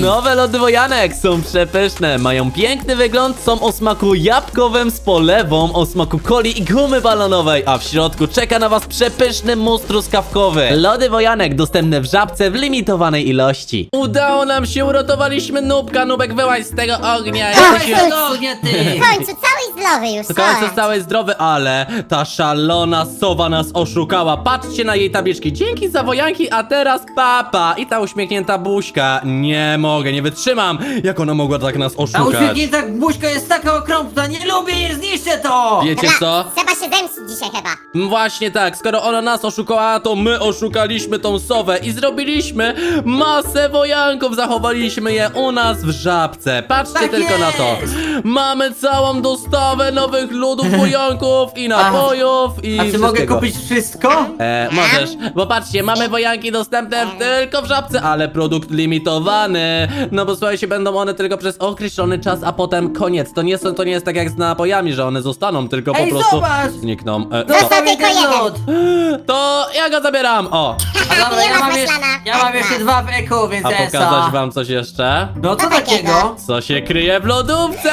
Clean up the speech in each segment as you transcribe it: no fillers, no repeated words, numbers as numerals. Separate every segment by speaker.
Speaker 1: Nowe lody wojanek są przepyszne, mają piękny wygląd, są o smaku jabłkowym z polewą, o smaku coli i gumy balonowej, a w środku czeka na was przepyszny mus truskawkowy. Lody wojanek dostępne w Żabce w limitowanej ilości. Udało nam się, uratowaliśmy Nubka. Nubek, wyłaź z tego ognia.
Speaker 2: Jesteś ognia, ty!
Speaker 3: W końcu cały zdrowy już,
Speaker 1: W końcu
Speaker 3: chodź.
Speaker 1: stałeś zdrowy, ale ta szalona sowa nas oszukała. Patrzcie na jej tabliczki. Dzięki za wojanki, a teraz papa. I ta uśmiechnięta buźka. Nie mogę, nie wytrzymam. Jak ona mogła tak nas
Speaker 2: A
Speaker 1: oszukać?
Speaker 2: uśmiechnięta buźka jest taka okropna, nie lubię jej, zniszczę to!
Speaker 1: Wiecie co?
Speaker 3: Trzeba się zemścić dzisiaj chyba.
Speaker 1: Właśnie tak, skoro ona nas oszukała, to my oszukaliśmy tą sowę i zrobiliśmy masę wojanków, zachowaliśmy je u nas w Żabce. Patrzcie
Speaker 2: Tak
Speaker 1: tylko na to.
Speaker 2: jest.
Speaker 1: Mamy całą dostawę nowych lodów wojanków i napojów i
Speaker 2: A czy mogę
Speaker 1: wszystkiego.
Speaker 2: kupić wszystko?
Speaker 1: Możesz, bo patrzcie, mamy wojanki dostępne tylko w Żabce, ale produkt limitowany. No bo słuchajcie, będą one tylko przez określony czas, a potem koniec. To nie jest tak jak z napojami, że one zostaną, tylko
Speaker 2: Ej,
Speaker 1: po prostu
Speaker 2: zobacz!
Speaker 1: znikną.
Speaker 3: Został tylko
Speaker 2: ten
Speaker 3: jeden.
Speaker 2: lód.
Speaker 1: To ja go zabieram, o!
Speaker 2: A dobra,
Speaker 3: Nie
Speaker 2: ja
Speaker 3: ma
Speaker 2: mam,
Speaker 3: maślana.
Speaker 2: ja mam jeszcze dwa w eku, więc
Speaker 1: A
Speaker 2: esa.
Speaker 1: pokazać wam coś jeszcze?
Speaker 2: No co
Speaker 3: Co takiego?
Speaker 2: takiego?
Speaker 1: Co się kryje w lodówce?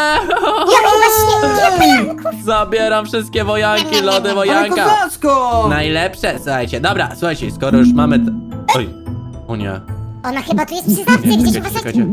Speaker 1: Zabieram wszystkie wojanki, lody
Speaker 2: Ale
Speaker 1: wojanka.
Speaker 2: kozacko!
Speaker 1: Najlepsze, słuchajcie, dobra, słuchajcie, skoro już mamy... Oj, o nie.
Speaker 3: Ona chyba tu jest przy zawce, gdzieś
Speaker 1: Czekajcie,
Speaker 3: uważajcie.
Speaker 1: czekajcie.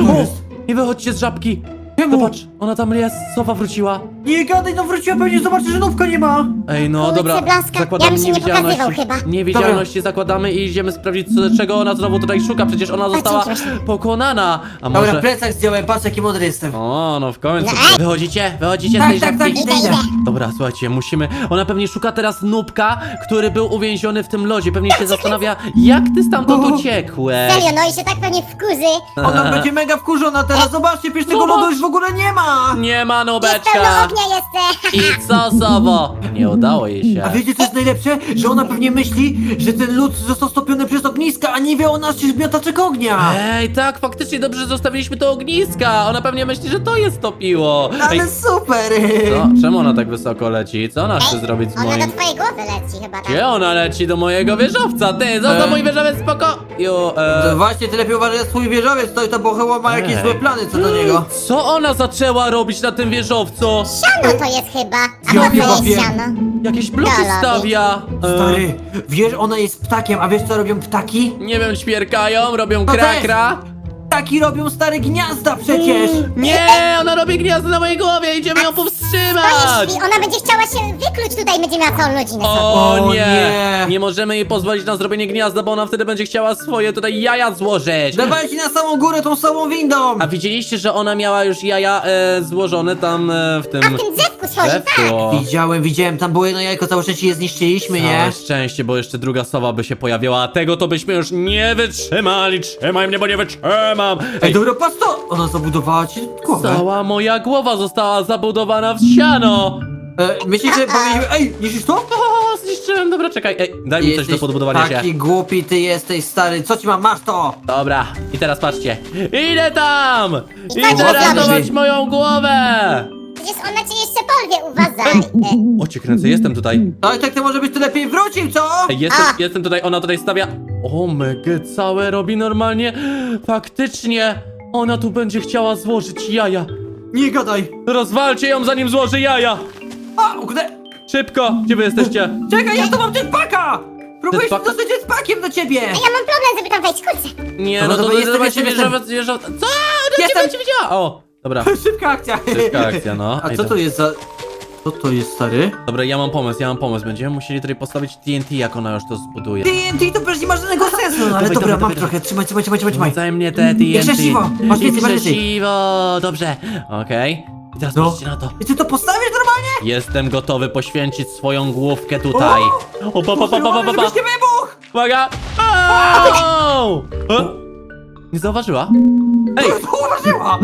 Speaker 1: O, nie wychodźcie z żabki.
Speaker 2: Czemu?
Speaker 1: Zobacz, ona tam jest, sowa wróciła.
Speaker 2: Nie gadaj, no wróciła, pewnie zobaczy, że nówka nie ma.
Speaker 1: Ej, no
Speaker 3: Kurczę,
Speaker 1: dobra,
Speaker 3: blaska.
Speaker 1: zakładamy
Speaker 3: Ja bym się nie pokazywał
Speaker 1: niewidzialności.
Speaker 3: chyba.
Speaker 1: Niewidzialności zakładamy i idziemy sprawdzić, czego ona znowu tutaj szuka. Przecież ona została
Speaker 3: dzięki.
Speaker 1: pokonana. A
Speaker 2: Dobra,
Speaker 1: może...
Speaker 2: plecak zdjąłem, patrz jaki mądry jestem.
Speaker 1: O, no w końcu.
Speaker 3: No, ej.
Speaker 1: Wychodzicie z
Speaker 2: Tak,
Speaker 1: tej
Speaker 2: tak,
Speaker 1: żabki?
Speaker 2: tak,
Speaker 3: Idę, idę.
Speaker 1: Dobra, słuchajcie, musimy... Ona pewnie szuka teraz Nubka, który był uwięziony w tym lodzie. Pewnie się zastanawia, jak ty stamtąd uciekłeś.
Speaker 3: Serio, no i się tak pewnie wkurzy.
Speaker 2: Ona będzie mega wkurzona teraz, zobaczcie, przecież tego
Speaker 1: Zobacz.
Speaker 2: lodu już w ogóle nie ma.
Speaker 1: Nie ma
Speaker 3: Jest pełno
Speaker 1: Nubeczka.
Speaker 3: ognia jeszcze.
Speaker 1: I co, Sowo? Nie udało jej się.
Speaker 2: A wiecie co jest najlepsze? Że ona pewnie myśli, że ten lód został stopiony przez ogniska, a nie wie o naszych miotaczek ognia.
Speaker 1: Ej, tak, faktycznie dobrze, że zostawiliśmy to ogniska. Ona pewnie myśli, że to je stopiło. Ej,
Speaker 2: Ale super!
Speaker 1: co? Czemu ona tak wysoko leci? Co ona chce
Speaker 3: Ej,
Speaker 1: zrobić z
Speaker 3: ona
Speaker 1: moim...
Speaker 3: do twojej głowy leci chyba tak.
Speaker 1: Gdzie ona leci? Do mojego wieżowca, ty! Zostaw mój wieżowiec, spoko!
Speaker 2: To właśnie, ty lepiej uważaj na swój wieżowiec, to bo chyba ma jakieś
Speaker 1: Ej.
Speaker 2: złe plany co do niego.
Speaker 1: Co ona zaczęła robić na tym wieżowcu?
Speaker 3: Siano to jest chyba. A
Speaker 2: Ja
Speaker 3: po co
Speaker 2: wiem,
Speaker 3: jest
Speaker 2: wiem.
Speaker 3: siano?
Speaker 1: Jakieś bloki
Speaker 3: Gala,
Speaker 1: stawia.
Speaker 2: Stary, wiesz, ona jest ptakiem, a wiesz co robią ptaki?
Speaker 1: Nie wiem, ćwierkają, robią
Speaker 2: To
Speaker 1: krakra.
Speaker 2: Ptaki robią stare gniazda przecież!
Speaker 1: Nie, ona robi gniazdo na mojej głowie, idziemy ją
Speaker 3: To
Speaker 1: powstrzymać!
Speaker 3: jeśli ona będzie chciała się wykluć tutaj, będzie miała całą rodzinę.
Speaker 1: O
Speaker 2: O
Speaker 1: nie.
Speaker 2: nie.
Speaker 1: Nie możemy jej pozwolić na zrobienie gniazda, bo ona wtedy będzie chciała swoje tutaj jaja złożyć.
Speaker 2: Dawajcie na samą górę tą samą windą!
Speaker 1: A widzieliście, że ona miała już jaja złożone tam w tym...
Speaker 3: A w tym drzewku swoim, tak.
Speaker 1: drzewku?
Speaker 2: Widziałem, tam było jedno jajko, całe szczęście je zniszczyliśmy, nie?
Speaker 1: Całe szczęście, bo jeszcze druga sowa by się pojawiła, a tego to byśmy już nie wytrzymali. Trzymaj mnie, bo nie wytrzymam.
Speaker 2: Ej, dobra, patrz to! Ona zabudowała ci głowę.
Speaker 1: Cała moja głowa została zabudowana w siano.
Speaker 2: Myślisz, że powinniśmy... Ej, niszczysz to?
Speaker 1: O, zniszczyłem, dobra, czekaj. Ej, daj mi coś do
Speaker 2: Jesteś
Speaker 1: podbudowania
Speaker 2: taki
Speaker 1: się.
Speaker 2: głupi ty jesteś, stary. Co ci mam? Masz to!
Speaker 1: Dobra, i teraz patrzcie. Idę tam!
Speaker 3: I tak
Speaker 1: Idę
Speaker 3: się
Speaker 1: ratować
Speaker 2: robi.
Speaker 1: moją głowę!
Speaker 3: Przecież ona cię jeszcze porwie, uważaj.
Speaker 1: O, cię kręcę, jestem tutaj.
Speaker 2: No i tak to może być, ty lepiej wrócił, co?
Speaker 1: Ej, jestem tutaj, ona tutaj stawia... O, mega, całe robi normalnie. Faktycznie, ona tu będzie chciała złożyć jaja.
Speaker 2: Nie gadaj!
Speaker 1: Rozwalcie ją, zanim złoży jaja!
Speaker 2: A, uknę...
Speaker 1: Szybko, gdzie wy jesteście?
Speaker 2: Czekaj, ja tu mam jetpacka! Próbuję się
Speaker 1: Jetpack?
Speaker 2: dostać jetpackiem do ciebie!
Speaker 3: Ja mam problem, żeby tam wejść, kurczę.
Speaker 1: Nie,
Speaker 2: Dobra,
Speaker 1: no to
Speaker 2: dobra, jestem,
Speaker 1: zobaczcie,
Speaker 2: jestem.
Speaker 1: wieżowiec. Co? Ona
Speaker 2: Jestem.
Speaker 1: cię widziała! O, dobra.
Speaker 2: Szybka akcja!
Speaker 1: Szybka akcja, no.
Speaker 2: A
Speaker 1: Ej,
Speaker 2: co
Speaker 1: to-
Speaker 2: to jest za... Co to jest, stary?
Speaker 1: Dobra, ja mam pomysł. Będziemy musieli tutaj postawić TNT, jak ona już to zbuduje.
Speaker 2: TNT to przecież nie ma żadnego sensu, no ale
Speaker 1: Dawaj,
Speaker 2: dobra,
Speaker 1: dawaj,
Speaker 2: mam
Speaker 1: dawaj.
Speaker 2: trochę, trzymaj.
Speaker 1: Zaj mnie te TNT.
Speaker 2: I krzesiwo, masz więcej,
Speaker 1: I
Speaker 2: masz więcej.
Speaker 1: krzesiwo, dobrze. Okej. I teraz
Speaker 2: No.
Speaker 1: patrzcie na to.
Speaker 2: I ty to postawisz normalnie?
Speaker 1: Jestem gotowy poświęcić swoją główkę tutaj. O, pa.
Speaker 2: Żebyś nie wybuch!
Speaker 1: Uwaga! Au! Nie zauważyła? Ej!
Speaker 2: Uważała!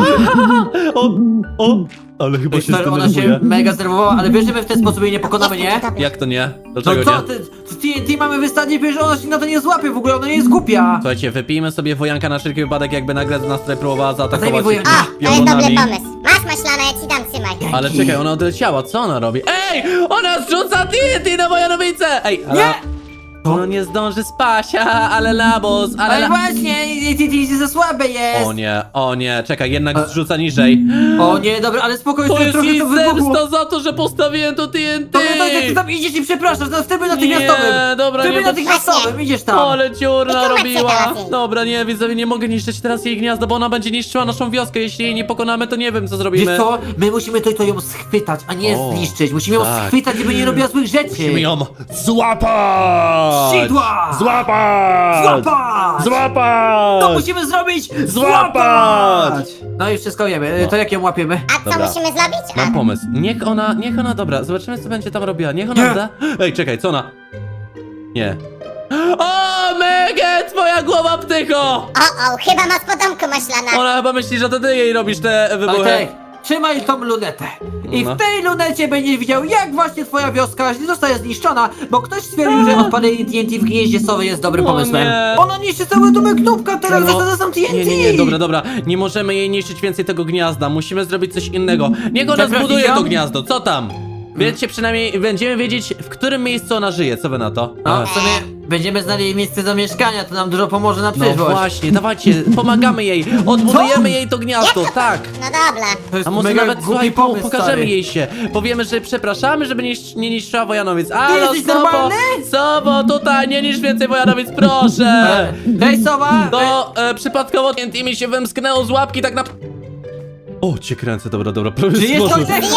Speaker 1: O! Ale chyba się
Speaker 2: Stary, ona się
Speaker 1: zdenerwuje.
Speaker 2: mega zdenerwowała, ale wiesz, że my w ten sposób jej nie pokonamy, nie?
Speaker 1: Jak to nie?
Speaker 2: No
Speaker 1: Dlaczego
Speaker 2: co,
Speaker 1: nie?
Speaker 2: ty TNT mamy wystawić, wiesz, że ona się na to nie złapie w ogóle, ona nie jest głupia!
Speaker 1: Słuchajcie, wypijmy sobie wojanka na wszelki wypadek, jakby nagle nas tutaj próbowała
Speaker 2: Daj mi
Speaker 1: zaatakować
Speaker 2: wojanka.
Speaker 3: O, to jest dobry pomysł. Masz maślana, ja ci dam, trzymaj.
Speaker 1: Ale czekaj, ona odleciała, co ona robi? Ej! Ona zrzuca TNT na moją nowicę! Ej, ale...
Speaker 2: Nie!
Speaker 1: No nie zdąży spać, ale labos, ale
Speaker 2: Ale właśnie, ty jesteś za słabe jest.
Speaker 1: O nie, czekaj, jednak zrzuca niżej.
Speaker 2: O nie, dobra, ale spokojnie,
Speaker 1: To jest
Speaker 2: trochę
Speaker 1: jej
Speaker 2: to wybuchło.
Speaker 1: zemsta za to, że postawiłem to TNT!
Speaker 2: To jak ty tam idziesz i przepraszasz, to w trybie natychmiastowym.
Speaker 1: Nie, dobra,
Speaker 2: W trybie
Speaker 1: nie, to-
Speaker 2: natychmiastowym, idziesz tam.
Speaker 1: Ale dziurna
Speaker 3: I tu macie
Speaker 1: robiła!
Speaker 3: teraz jej.
Speaker 1: Dobra, nie, widzowie, nie mogę niszczyć teraz jej gniazda, bo ona będzie niszczyła naszą wioskę. Jeśli jej nie pokonamy, to nie wiem, co zrobimy.
Speaker 2: Wiesz co, my musimy to ją schwytać, a nie
Speaker 1: O,
Speaker 2: zniszczyć. Musimy ją
Speaker 1: tak.
Speaker 2: schwytać, żeby nie robiła złych rzeczy.
Speaker 1: Musimy ją złapać!
Speaker 2: Sidła!
Speaker 1: Złapać!
Speaker 2: Złapać!
Speaker 1: Złapać!
Speaker 2: To musimy zrobić!
Speaker 1: Złapać!
Speaker 2: No i wszystko wiemy, to jak ją łapiemy?
Speaker 3: A co
Speaker 1: Dobra.
Speaker 3: musimy zrobić?
Speaker 1: Mam pomysł. Niech ona, dobra, zobaczymy, co będzie tam robiła. Niech ona
Speaker 2: Nie.
Speaker 1: da. Ej, czekaj, co ona? Nie. O, Mege, twoja głowa ptycho!
Speaker 3: O, chyba ma spodomku maślana.
Speaker 1: Ona chyba myśli, że to ty jej robisz te wybuchy.
Speaker 2: Bartek, trzymaj tą lunetę. I
Speaker 1: No.
Speaker 2: w tej lunecie będziesz widział, jak właśnie twoja wioska zostaje zniszczona, bo ktoś stwierdził, że odpalenie TNT w gnieździe sowy jest dobrym
Speaker 1: O
Speaker 2: pomysłem.
Speaker 1: nie.
Speaker 2: Ona niszczy cały domek Nubka, teraz
Speaker 1: No.
Speaker 2: zasadza sam TNT.
Speaker 1: Nie, dobra, nie możemy jej niszczyć więcej tego gniazda, musimy zrobić coś innego. Niech ona
Speaker 2: Zaprosić
Speaker 1: zbuduje
Speaker 2: ją?
Speaker 1: to gniazdo, co tam? Wiecie, przynajmniej będziemy wiedzieć, w którym miejscu ona żyje, co wy na to?
Speaker 2: No, w sumie będziemy znali jej miejsce zamieszkania, to nam dużo pomoże na
Speaker 1: No
Speaker 2: przyszłość.
Speaker 1: właśnie, dawajcie, pomagamy jej, odbudujemy jej to gniazdo, tak.
Speaker 3: No dobra.
Speaker 2: To jest
Speaker 1: A może
Speaker 2: mega
Speaker 1: nawet,
Speaker 2: głupi
Speaker 1: słuchaj,
Speaker 2: pomysł,
Speaker 1: pokażemy
Speaker 2: stary.
Speaker 1: jej się. Powiemy, że przepraszamy, żeby nie niszczyła Wojanowic. Halo,
Speaker 2: jesteś
Speaker 1: Sobo!
Speaker 2: normalny?
Speaker 1: Sobo, tutaj, nie niszcz więcej Wojanowic, proszę!
Speaker 2: Hej, sowa!
Speaker 1: To przypadkowo TNT mi się wymsknęło z łapki, tak na... O, cię kręcę, dobra, prawie
Speaker 2: Czy jest
Speaker 1: złożył.
Speaker 2: ktoś?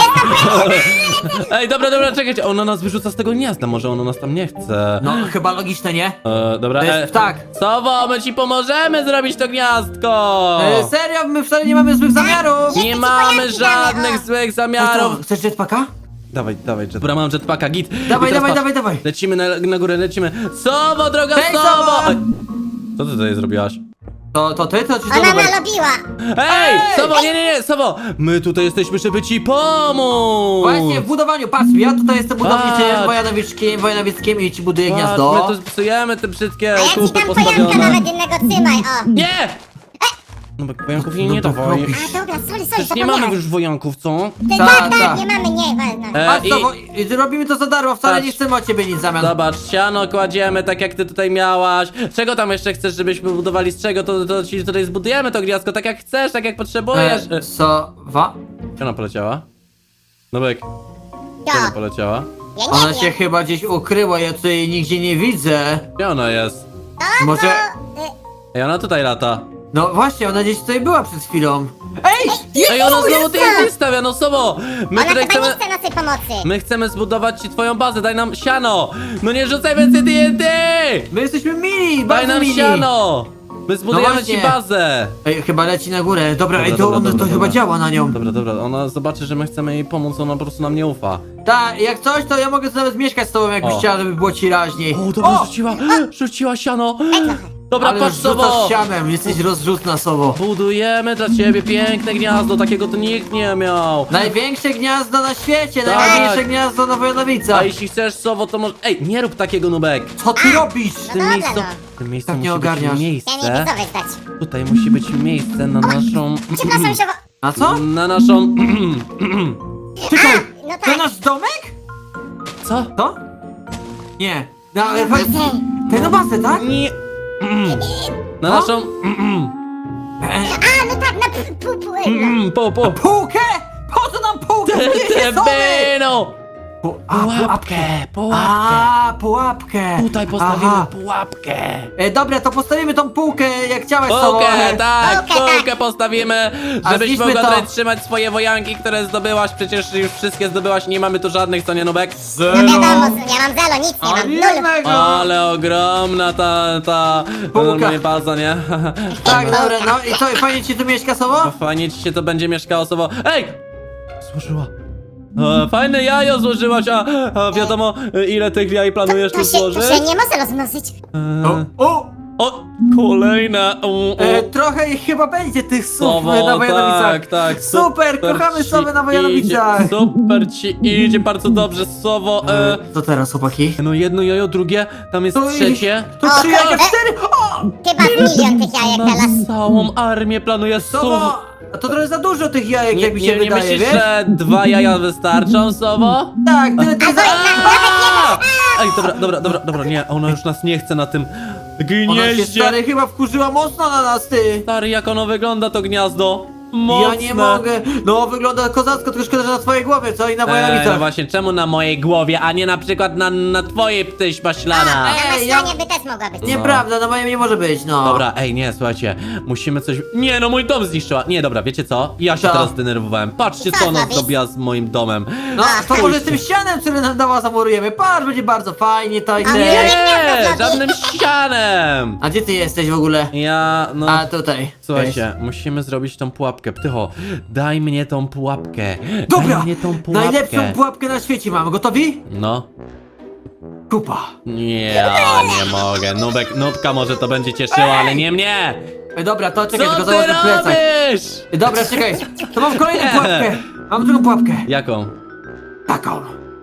Speaker 1: Ej, dobra, czekajcie, ona nas wyrzuca z tego gniazda, może ona nas tam nie chce.
Speaker 2: No, chyba logiczne, nie?
Speaker 1: Dobra,
Speaker 2: To jest ptak.
Speaker 1: Sobo, my ci pomożemy zrobić to gniazdko!
Speaker 2: Serio, my wcale nie mamy złych zamiarów!
Speaker 1: Nie mamy
Speaker 3: pojaki
Speaker 1: żadnych
Speaker 3: damy, o.
Speaker 1: złych
Speaker 2: Ej,
Speaker 1: zamiarów.
Speaker 2: co, chcesz jetpacka?
Speaker 1: Dawaj, jet. Dobra, mam jetpacka, git.
Speaker 2: Dawaj,
Speaker 1: I teraz
Speaker 2: dawaj.
Speaker 1: patrz, Lecimy na górę, lecimy. Sobo, droga
Speaker 2: Hej,
Speaker 1: Sobo!
Speaker 2: Sobo!
Speaker 1: Ej, co ty tutaj zrobiłaś?
Speaker 2: To ty, to ci to
Speaker 3: Ona
Speaker 2: numer?
Speaker 3: nalobiła.
Speaker 1: Ej, Sobo, nie, Sobo! My tutaj jesteśmy, żeby ci pomóc!
Speaker 2: Właśnie, w budowaniu, patrz, ja tutaj jestem budowniczym
Speaker 1: Patrz.
Speaker 2: wojanowieckim i ci buduję
Speaker 1: Patrz,
Speaker 2: gniazdo.
Speaker 1: my tu psujemy te brzydkie
Speaker 3: A ja ci
Speaker 1: kupy
Speaker 3: dam pojanka
Speaker 1: postawione.
Speaker 3: nawet jednego, trzymaj, o.
Speaker 1: Nie! No bo wojanków jej nie
Speaker 2: to
Speaker 1: dawaj.
Speaker 2: robisz.
Speaker 3: A dobra, sorry,
Speaker 1: Przecież nie mamy już wojanków, co?
Speaker 3: Tak,
Speaker 2: Tak.
Speaker 3: nie mamy, nie, wolno.
Speaker 2: Patrz,
Speaker 1: I...
Speaker 2: to, robimy to za darmo, wcale
Speaker 1: Patrz.
Speaker 2: nie chcemy od ciebie nic w zamian.
Speaker 1: Zobacz, siano kładziemy tak jak ty tutaj miałaś. Czego tam jeszcze chcesz, żebyśmy budowali z czego? To ci tutaj zbudujemy to gniazdko tak jak chcesz, tak jak potrzebujesz.
Speaker 2: Sowa?
Speaker 1: Gdzie ona poleciała? Nubek, gdzie ona
Speaker 3: To,
Speaker 1: poleciała?
Speaker 3: ja nie
Speaker 2: Ona
Speaker 3: wiem.
Speaker 2: się chyba gdzieś ukryła, ja tutaj jej nigdzie nie widzę.
Speaker 1: Gdzie ona jest?
Speaker 2: Może...
Speaker 1: Ej, ona tutaj lata.
Speaker 2: No właśnie, ona gdzieś tutaj była przed chwilą. Ej!
Speaker 1: Ej, ona znowu TNT stawia, no Sobo! My
Speaker 3: Ona
Speaker 1: tutaj
Speaker 3: chyba
Speaker 1: chcemy...
Speaker 3: nie chce naszej pomocy.
Speaker 1: My chcemy zbudować ci twoją bazę, daj nam siano! No nie rzucaj więcej TNT!
Speaker 2: My jesteśmy mili,
Speaker 1: Daj
Speaker 2: bardzo
Speaker 1: nam
Speaker 2: mili.
Speaker 1: siano! My zbudujemy
Speaker 2: właśnie.
Speaker 1: ci bazę!
Speaker 2: Ej, chyba leci na górę. Dobra,
Speaker 1: Dobra,
Speaker 2: ej, to,
Speaker 1: dobra,
Speaker 2: to
Speaker 1: dobra.
Speaker 2: chyba działa na nią.
Speaker 1: Dobra, ona zobaczy, że my chcemy jej pomóc, ona po prostu nam nie ufa.
Speaker 2: Tak, jak coś, to ja mogę tu nawet mieszkać z tobą, jakbyś
Speaker 1: O.
Speaker 2: chciała, żeby było ci raźniej.
Speaker 1: O, dobra, rzuciła siano! Dobra,
Speaker 2: Ale
Speaker 1: patrz
Speaker 2: rzucasz
Speaker 1: Sobo!
Speaker 2: sianem, jesteś rozrzutna sobą.
Speaker 1: Budujemy dla ciebie piękne gniazdo, takiego to nikt nie miał!
Speaker 2: Największe gniazdo na świecie,
Speaker 1: Tak.
Speaker 2: najważniejsze gniazdo na Wojanowicach.
Speaker 1: A jeśli chcesz Sobo, to może... Ej, nie rób takiego, Nubek!
Speaker 2: Co ty robisz?
Speaker 1: W
Speaker 3: No
Speaker 1: tym
Speaker 3: dobra,
Speaker 1: miejscu,
Speaker 3: no.
Speaker 1: w tym miejscu
Speaker 2: Tak nie
Speaker 1: musi być
Speaker 2: ogarniasz.
Speaker 3: Ja nie
Speaker 1: miejsce...
Speaker 3: widzowie zdać.
Speaker 1: Tutaj musi być miejsce na naszą...
Speaker 3: Przepraszam, się,
Speaker 2: A co?
Speaker 1: Na naszą...
Speaker 2: Czekaj,
Speaker 3: no tak.
Speaker 2: to nasz domek?
Speaker 1: Co?
Speaker 2: To? Nie. No, ale
Speaker 3: bazę.
Speaker 2: Ty na bazę, tak?
Speaker 1: Nie... Na
Speaker 2: O?
Speaker 1: naszą...
Speaker 3: A, no tak, na
Speaker 1: Po...
Speaker 2: Półkę? Po co nam półkę? Te
Speaker 1: Tebeno!
Speaker 2: Pułapkę.
Speaker 1: Pułapkę.
Speaker 2: A, pułapkę.
Speaker 1: Tutaj postawimy
Speaker 2: Aha.
Speaker 1: pułapkę.
Speaker 2: Dobra, to postawimy tą półkę, jak chciałeś sobą,
Speaker 1: Półkę,
Speaker 2: ale...
Speaker 1: tak,
Speaker 3: Półkę,
Speaker 1: półkę postawimy,
Speaker 2: A
Speaker 1: żebyś
Speaker 2: zniszmy
Speaker 1: mogła
Speaker 2: to.
Speaker 1: tutaj trzymać swoje wojanki, które zdobyłaś, przecież już wszystkie zdobyłaś, nie mamy tu żadnych, co nie, Nubek?
Speaker 3: No wiadomo, ja mam zero, nic nie
Speaker 2: O,
Speaker 3: mam, nul.
Speaker 2: jednego.
Speaker 1: Ale ogromna ta
Speaker 2: Półka.
Speaker 1: normalnie baza, nie?
Speaker 2: Tak, dobra, no i co, fajnie ci tu mieszka sobą?
Speaker 1: Fajnie ci się to będzie mieszkało osobo. Ej! Złożyła. Fajne jajo złożyłaś, a wiadomo ile tych jaj planujesz tu
Speaker 3: To
Speaker 1: złożyć?
Speaker 3: się nie może rozmnożyć.
Speaker 2: O,
Speaker 1: O, kolejne.
Speaker 2: Trochę ich chyba będzie tych słów
Speaker 1: Sowo,
Speaker 2: na Wojanowicach.
Speaker 1: tak.
Speaker 2: Super, kochamy
Speaker 1: ci
Speaker 2: sowy na Wojanowicach.
Speaker 1: idzie, super ci idzie, bardzo dobrze, Sowo.
Speaker 2: Co teraz, chłopaki?
Speaker 1: No jedno jajo, drugie, tam jest
Speaker 2: To
Speaker 1: trzecie.
Speaker 2: To
Speaker 3: O,
Speaker 2: 3 jajka,
Speaker 3: kurde.
Speaker 2: 4! O!
Speaker 3: Chyba z milion tych jajek teraz.
Speaker 1: Na całą armię planuje
Speaker 2: Sowo! A to trochę za dużo tych jajek, jak mi się
Speaker 1: nie
Speaker 2: wydaje,
Speaker 1: myślisz,
Speaker 2: wiesz?
Speaker 1: że 2 jaja wystarczą, Sowo?
Speaker 2: Tak, tyle tych
Speaker 1: A! Ej, dobra, nie, ona już nas nie chce na tym
Speaker 2: Ona się,
Speaker 1: gnieździe.
Speaker 2: stary, chyba wkurzyła mocno na nas, ty!
Speaker 1: Stary, jak ono wygląda, to gniazdo. Mocne.
Speaker 2: Ja nie mogę. No, wygląda kozacko, tylko szkoda, że na twojej głowie, co? I na
Speaker 1: No
Speaker 2: Wojanowicach.
Speaker 1: właśnie, czemu na mojej głowie, a nie na przykład na twojej ptyś maślana?
Speaker 3: Na
Speaker 2: Ej, ja-
Speaker 3: maślanie by też mogła być.
Speaker 2: Nieprawda, na moim nie może być, no.
Speaker 1: Dobra, ej, nie, słuchajcie, musimy coś... Nie, no mój dom zniszczyła. Nie, dobra, wiecie co? Ja się
Speaker 2: Co?
Speaker 1: teraz zdenerwowałem. Patrzcie, co
Speaker 3: Co
Speaker 1: ona
Speaker 3: zrobić?
Speaker 1: zrobiła z moim domem.
Speaker 2: No, to
Speaker 3: Ach,
Speaker 2: może z tym ścianem, który nam dała, zamurujemy. Patrz, będzie bardzo fajnie, to i
Speaker 3: A
Speaker 2: ty.
Speaker 3: nie.
Speaker 1: Nie, żadnym ścianem.
Speaker 2: A gdzie ty jesteś w ogóle?
Speaker 1: Ja, no...
Speaker 2: A, tutaj.
Speaker 1: Słuchajcie, musimy zrobić tą pułapkę. Ptycho, daj mnie tą pułapkę.
Speaker 2: Dobra,
Speaker 1: Daj mnie tą pułapkę.
Speaker 2: najlepszą pułapkę na świecie mam. Gotowi?
Speaker 1: No.
Speaker 2: Kupa.
Speaker 1: Ja nie mogę. Nubka może to będzie cieszyło, ale nie mnie.
Speaker 2: Dobra, to czekaj,
Speaker 1: Co
Speaker 2: tylko
Speaker 1: ty
Speaker 2: założę plecak.
Speaker 1: robisz?
Speaker 2: Dobra, czekaj. To mam kolejną
Speaker 1: Nie.
Speaker 2: pułapkę. Mam drugą pułapkę.
Speaker 1: Jaką?
Speaker 2: Taką.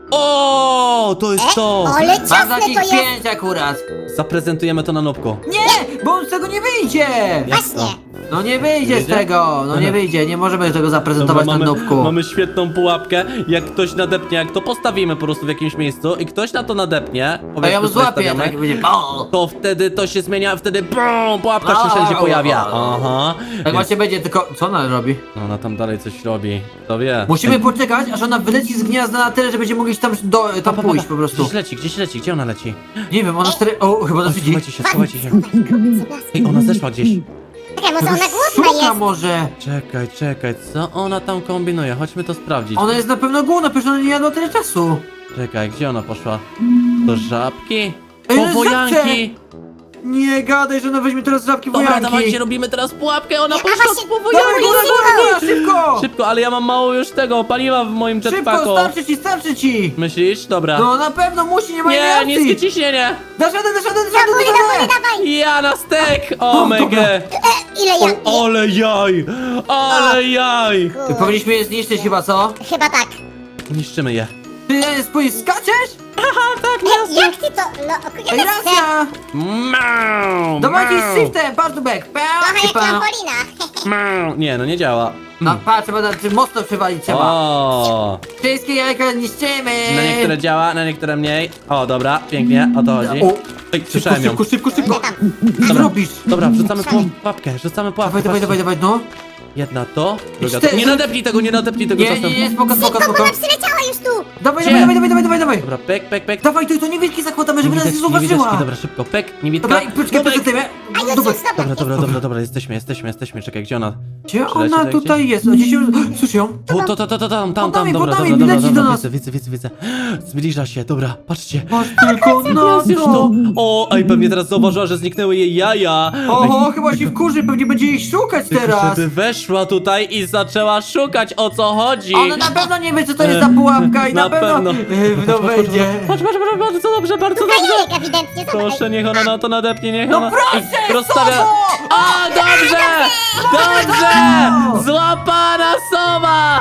Speaker 1: O, to jest to.
Speaker 3: Ale
Speaker 2: Mam
Speaker 3: ciasne
Speaker 2: takich
Speaker 3: to jest.
Speaker 2: 5 akurat.
Speaker 1: Zaprezentujemy to na Nubku.
Speaker 2: Nie, bo on z tego nie wyjdzie.
Speaker 3: Właśnie.
Speaker 2: No nie wyjdzie z
Speaker 1: Wyjdzie?
Speaker 2: tego, no nie wyjdzie, nie możemy tego zaprezentować na nubku.
Speaker 1: mamy świetną pułapkę. Jak ktoś nadepnie, jak to postawimy po prostu w jakimś miejscu i ktoś na to nadepnie,
Speaker 2: To
Speaker 1: powiedzmy,
Speaker 2: ja ją
Speaker 1: że
Speaker 2: złapię,
Speaker 1: stawiamy,
Speaker 2: tak będzie bum.
Speaker 1: to wtedy to się zmienia, wtedy bum, pułapka się wszędzie pojawia. Aha.
Speaker 2: Tak właśnie będzie, tylko co ona robi?
Speaker 1: No, ona tam dalej coś robi. Kto wie?
Speaker 2: Musimy poczekać, aż ona wyleci z gniazda na tyle, że będziemy mogli tam pójść po prostu.
Speaker 1: Gdzieś leci, gdzie ona leci?
Speaker 2: Nie wiem, ona stary... O, chyba nas widzi.
Speaker 1: Schowajcie się. Ej, ona zeszła gdzieś.
Speaker 3: Czekaj, może ona głodna
Speaker 2: Szuka
Speaker 3: jest.
Speaker 2: może.
Speaker 1: Czekaj, co ona tam kombinuje? Chodźmy to sprawdzić.
Speaker 2: Ona jest na pewno głodna, przecież ona nie jadła tyle czasu.
Speaker 1: Czekaj, gdzie ona poszła? Do żabki?
Speaker 2: Ej,
Speaker 1: Po
Speaker 2: no
Speaker 1: wojanki!
Speaker 2: Nie gadaj, że ona weźmie teraz żabki
Speaker 1: Dobra,
Speaker 2: wojanki.
Speaker 1: dawajcie, robimy teraz pułapkę, ona poszła
Speaker 3: właśnie,
Speaker 1: po
Speaker 2: Dawaj,
Speaker 1: wojanki!
Speaker 2: góra, szybko!
Speaker 1: Szybko, ale ja mam mało już tego paliwa w moim
Speaker 2: Szybko,
Speaker 1: jetpacku.
Speaker 2: starczy ci!
Speaker 1: Myślisz? Dobra.
Speaker 2: No na pewno musi, nie ma innej
Speaker 1: Nie,
Speaker 2: opcji.
Speaker 1: niskie ciśnienie!
Speaker 2: Dasz radę!
Speaker 3: Dawaj.
Speaker 1: Ja na stek!
Speaker 2: O,
Speaker 1: O mega!
Speaker 3: Ile ja...
Speaker 1: Ale jaj! Ale jaj!
Speaker 2: Ty powinniśmy je zniszczyć chyba, co?
Speaker 3: Chyba tak.
Speaker 1: Niszczymy je.
Speaker 2: Ty skaczesz?
Speaker 3: Jak ty to... No,
Speaker 2: Ej, racja!
Speaker 1: Mau!
Speaker 2: Dawajcie
Speaker 1: mau,
Speaker 2: z shiftem, patrz tu back.
Speaker 3: trochę jak trampolina.
Speaker 1: mau. Nie, no nie działa.
Speaker 2: No patrz, mocno przywalić trzeba.
Speaker 1: O!
Speaker 2: Wszystkie jajka niszczymy.
Speaker 1: Na niektóre działa, na niektóre mniej. O, dobra, pięknie, o to chodzi.
Speaker 2: O,
Speaker 1: Ej,
Speaker 2: szybko,
Speaker 1: słyszałem ją.
Speaker 2: szybko.
Speaker 3: Nie tam.
Speaker 2: Co robisz?
Speaker 1: Dobra, wrzucamy pułapkę, rzucamy pułapkę.
Speaker 2: Dawaj, no.
Speaker 1: Jedna to, druga
Speaker 2: cztery.
Speaker 1: to. Nie nadepnij tego
Speaker 2: Nie,
Speaker 1: czasem.
Speaker 2: spoko.
Speaker 3: Ona przyleciała już tu.
Speaker 2: Dawaj.
Speaker 1: Dobra, pek.
Speaker 2: Dawaj, to niewielki zakładamy, żeby nas nie zauważyła.
Speaker 1: Niewidoczki, dobra, szybko, pek, niewidka.
Speaker 2: Dobra, i poczekaj,
Speaker 1: Nubek.
Speaker 2: poczekaj.
Speaker 3: A już,
Speaker 2: Dobra.
Speaker 1: Dobra, jesteśmy, czekaj, gdzie ona?
Speaker 2: Gdzie
Speaker 1: Przyleci
Speaker 2: ona
Speaker 1: tutaj
Speaker 2: tutaj jest? Gdzieś ją... Słyszę ją?
Speaker 1: O, tam,
Speaker 2: Pod nami,
Speaker 1: dobra,
Speaker 2: leci do nas.
Speaker 1: widzę. Zbliża się, dobra, patrzcie.
Speaker 2: Patrz tylko na
Speaker 1: Jest już
Speaker 2: to.
Speaker 1: to. O, ej, pewnie teraz zauważyła, że zniknęły jej jaja.
Speaker 2: Oho, chyba się wkurzy, pewnie będzie ich szukać teraz.
Speaker 1: Żeby weszła tutaj i zaczęła szukać, o co chodzi.
Speaker 2: Ona na pewno nie wie, co to jest za pułapka i na pewno no wejdzie.
Speaker 1: Patrz, bardzo dobrze.
Speaker 3: Jajek ewidentnie, zobacz.
Speaker 1: Proszę, niech ona na to nadepnie, niech
Speaker 2: No
Speaker 1: ona...
Speaker 2: proszę,
Speaker 1: Ej, rozstawia...
Speaker 2: Sowo!
Speaker 1: O, dobrze! Złapana sowa!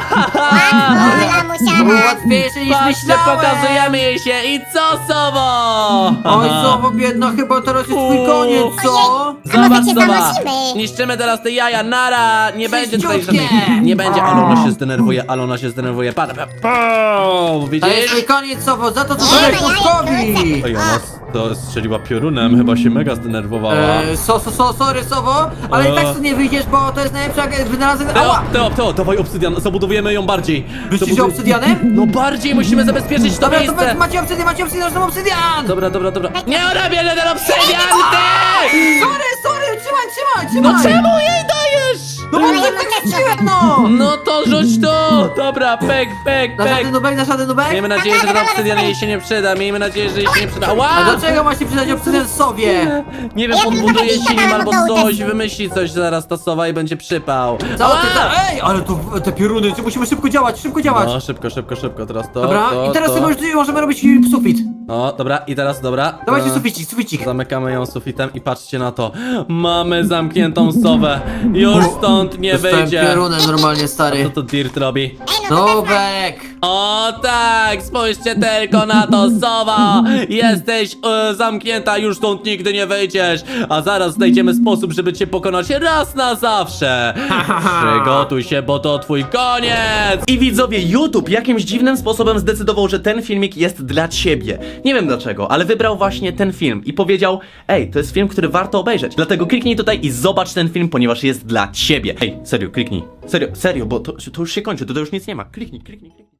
Speaker 3: Ola musiała.
Speaker 2: Łatwiejsze niż
Speaker 1: Patrzcie,
Speaker 2: myślałem.
Speaker 1: pokazujemy jej się i co, sowo?
Speaker 2: Oj, Sowo, biedna, chyba teraz jest twój koniec, co?
Speaker 3: A może
Speaker 1: Zobacz,
Speaker 3: cię
Speaker 1: sowa.
Speaker 3: zanosimy?
Speaker 1: Niszczymy teraz te jaja, nara! Nie będzie tutaj
Speaker 2: Czyściutkie.
Speaker 1: żadnych... Nie będzie, ale ona się zdenerwuje, Patrz,
Speaker 2: To jest
Speaker 1: widzisz?
Speaker 2: twój koniec, Sowo, za to, co
Speaker 3: Nie
Speaker 2: zrobiłeś
Speaker 3: ma jaj,
Speaker 2: Nubkowi.
Speaker 1: Ej, ona to strzeliła piorunem, chyba się mega zdenerwowała.
Speaker 2: Sorry, Sowo, ale i tak tu nie wyjdziesz, bo to jest najlepsza wynalazek... Ała!
Speaker 1: Teo, dawaj obsydian, zabudowujemy ją bardziej.
Speaker 2: Myślisz, że obsydianem?
Speaker 1: No bardziej musimy zabezpieczyć to
Speaker 2: Dobra, to
Speaker 1: miejsce.
Speaker 2: macie obsydian, że to obsydian!
Speaker 1: Dobra. Nie ona bierze ten obsydian, ty!
Speaker 2: Sorry, trzymaj!
Speaker 1: No czemu jej dajesz?
Speaker 2: No bo
Speaker 3: Ale ja
Speaker 2: tak
Speaker 3: mam też
Speaker 2: chciałem,
Speaker 3: trochę.
Speaker 2: no!
Speaker 1: No to rzuć to! Dobra, pek.
Speaker 2: Dasz radę, Nubek?
Speaker 1: Miejmy nadzieję, że ten obsydian jej się nie przyda. Miejmy nadzieję, że jej się nie przyda.
Speaker 2: A
Speaker 1: Ła!
Speaker 2: do czego ma się przydać obsydian Sowie?
Speaker 1: Nie wiem,
Speaker 3: Ja bym
Speaker 1: podbuduje
Speaker 3: trochę
Speaker 1: się nim
Speaker 3: dała
Speaker 1: albo
Speaker 3: do
Speaker 1: coś,
Speaker 3: uderzenia.
Speaker 1: wymyśli coś zaraz ta sowa i będzie przypał.
Speaker 2: Co
Speaker 1: Ała!
Speaker 2: ty Ej, ale tu te pioruny, musimy szybko działać.
Speaker 1: No, szybko, teraz to.
Speaker 2: Dobra,
Speaker 1: to,
Speaker 2: i teraz
Speaker 1: to.
Speaker 2: sobie możemy robić sufit.
Speaker 1: O, dobra, i teraz, dobra.
Speaker 2: Dawajcie suficik.
Speaker 1: Zamykamy ją sufitem i patrzcie na to. Mamy zamkniętą sowę. Już stąd nie
Speaker 2: Dostałem
Speaker 1: wyjdzie.
Speaker 2: piorunem normalnie,
Speaker 1: Co
Speaker 2: stary.
Speaker 1: to Dirt robi?
Speaker 3: Ej, no to
Speaker 2: Nubek!
Speaker 1: O tak, spójrzcie tylko na to, sowa! Jesteś zamknięta, już stąd nigdy nie wyjdziesz. A zaraz znajdziemy sposób, żeby cię pokonać raz na zawsze. Przygotuj się, bo to twój koniec!
Speaker 4: I widzowie, YouTube jakimś dziwnym sposobem zdecydował, że ten filmik jest dla ciebie. Nie wiem dlaczego, ale wybrał właśnie ten film i powiedział: ej, to jest film, który warto obejrzeć. Dlatego kliknij tutaj i zobacz ten film, ponieważ jest dla ciebie. Ej, serio, kliknij. Serio, bo to już się kończy, to już nic nie ma. Kliknij.